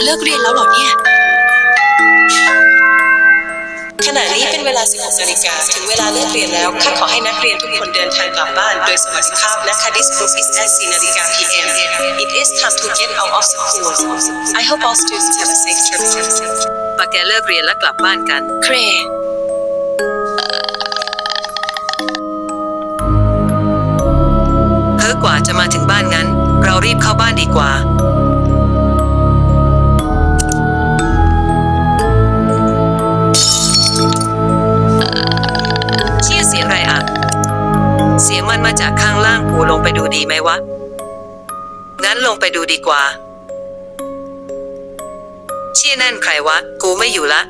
เลิกเรียนแล้วเหรอเนี่ยขณะนี้เป็นเวลา 16 นาฬิกาถึงเวลาเลิกเรียนแล้วข้าขอให้นักเรียนทุกคนเดินทางกลับบ้านโดยสวัสดิภาพนะคะ This group is at 4 นาฬิกา PM It is time to get out of school I hope all students have a safe trip ปะแกเลิกเรียนแล้วกลับบ้านกันเครกว่าจะมาถึงบ้านงั้นเรารีบเข้าบ้านดีกว่าเชี่ยเสียงอะไรอ่ะเสียงมันมาจากข้างล่างกูลงไปดูดีไหมวะงั้นลงไปดูดีกว่าเชี่ยนั่นใครวะกูไม่อยู่ละ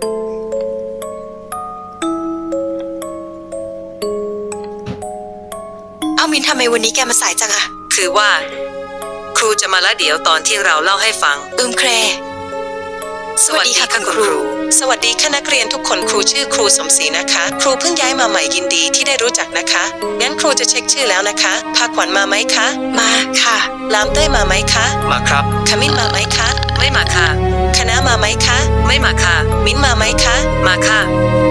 เอามินทำไมวันนี้แกมาสายจังอะคือว่าครูจะมาละเดี๋ยวตอนที่เราเล่าให้ฟังเครสวัสดีค่ะคุณครูสวัสดีค่ะนักเรียนทุกคนครูชื่อครูสมศรีนะคะครูเพิ่งย้ายมาใหม่ยินดีที่ได้รู้จักนะคะงั้นครูจะเช็คชื่อแล้วนะคะพาขวัญมาไหมคะมาค่ะลามเต้ยมาไหมคะมาครับขมิ้นมาไหมคะไม่มาค่ะคณะมาไหมคะไม่มาค่ะมิ้นมาไหมคะมาค่ะ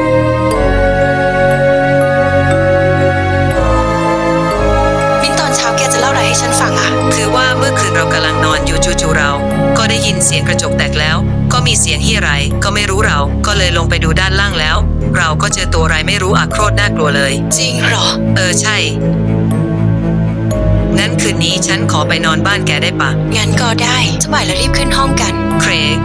ให้ฉันฟังอะคือว่าเมื่อคืนเรากำลังนอนอยู่จู่ๆเราก็ได้ยินเสียงกระจกแตกแล้วก็มีเสียงเฮียอะไรก็ไม่รู้เราก็เลยลงไปดูด้านล่างแล้วเราก็เจอตัวอะไรไม่รู้โคตรน่ากลัวเลยจริงเหรอใช่งั้นคืนนี้ฉันขอไปนอนบ้านแกได้ปะงั้นก็ได้จะบ่ายแล้วรีบขึ้นห้องกันเครก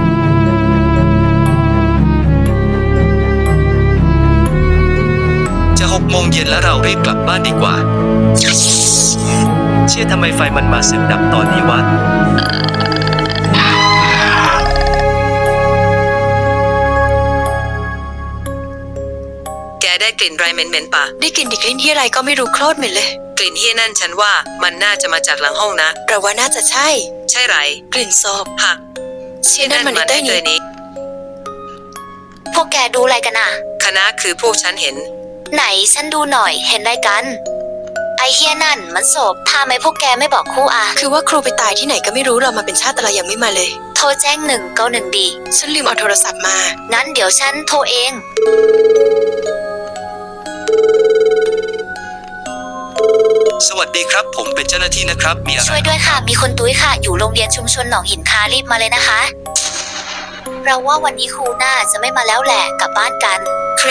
จะ6 โมงเย็นแล้วเรารีบกลับบ้านดีกว่าเชื่อทำไมไฟมันมาสึกดับตอนนี้วะแกได้กลิ่นไรเหม็นๆปะได้กลิ่นกลิ่นที่อะไรก็ไม่รู้โคตรเหม็นเลยกลิ่นเฮี้ยนั่นฉันว่ามันน่าจะมาจากหลังห้องนะเราว่าน่าจะใช่ไรกลิ่นศพหักเชี่ยนั่นมันได้นี้พวกแกดูอะไรกันอ่ะคณะคือพวกฉันเห็นไหนฉันดูหน่อยเห็นอะไรกันไอเฮียนั่นมันศพทำไมพวกแกไม่บอกครูอ่ะคือว่าครูไปตายที่ไหนก็ไม่รู้เรามาเป็นชาติอะไรยังไม่มาเลยโทรแจ้ง191ดีฉันลืมเอาโทรศัพท์มางั้นเดี๋ยวฉันโทรเองสวัสดีครับผมเป็นเจ้าหน้าที่นะครับมีอะไรช่วยด้วยค่ะมีคนตุ้ยค่ะอยู่โรงเรียนชุมชนหนองหินคารีบมาเลยนะคะเราว่าวันนี้ครูน่าจะไม่มาแล้วแหละกลับบ้านกันเคร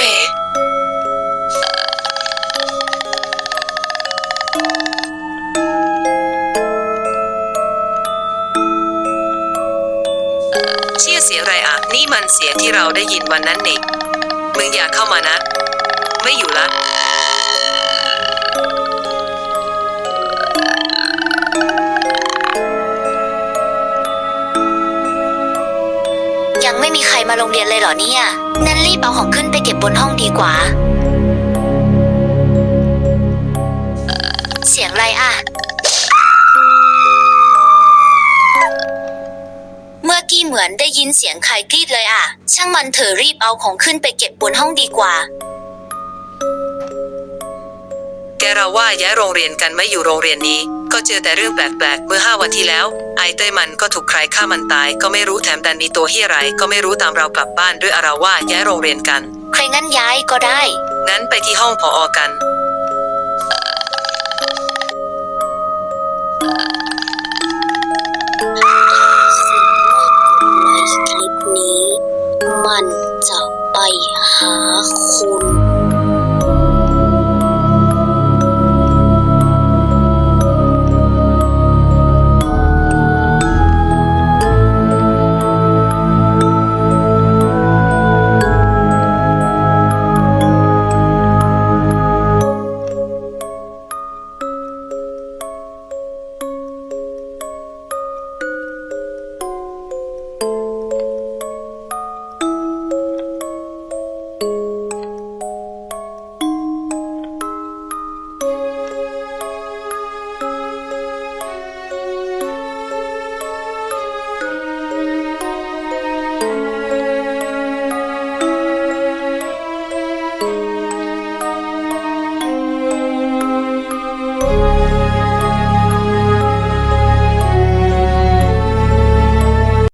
เชี่ยเสียงอะไรอ่ะนี่มันเสียงที่เราได้ยินวันนั้นนี่มึงอย่าเข้ามานะไม่อยู่ละยังไม่มีใครมาโรงเรียนเลยเหรอเนี่ยงั้นรีบเอาของขึ้นไปเก็บบนห้องดีกว่าเสียงอะไรอ่ะเมื่อกี้เหมือนได้ยินเสียงใครกรีดเลยอ่ะช่างมันเถอะรีบเอาของขึ้นไปเก็บบนห้องดีกว่าแกเราว่าย้ายโรงเรียนกันไม่อยู่โรงเรียนนี้ก็เจอแต่เรื่องแปลกๆเมื่อ5 วันที่แล้วไอเต้ยมันก็ถูกใครฆ่ามันตายก็ไม่รู้แถมดันมีตัวเฮียอะไรก็ไม่รู้ตามเรากลับบ้านด้วยเราว่าย้ายโรงเรียนกันใครงั้นย้ายก็ได้งั้นไปที่ห้องผอ.กันคลิปนี้มันจะไปหาคุณ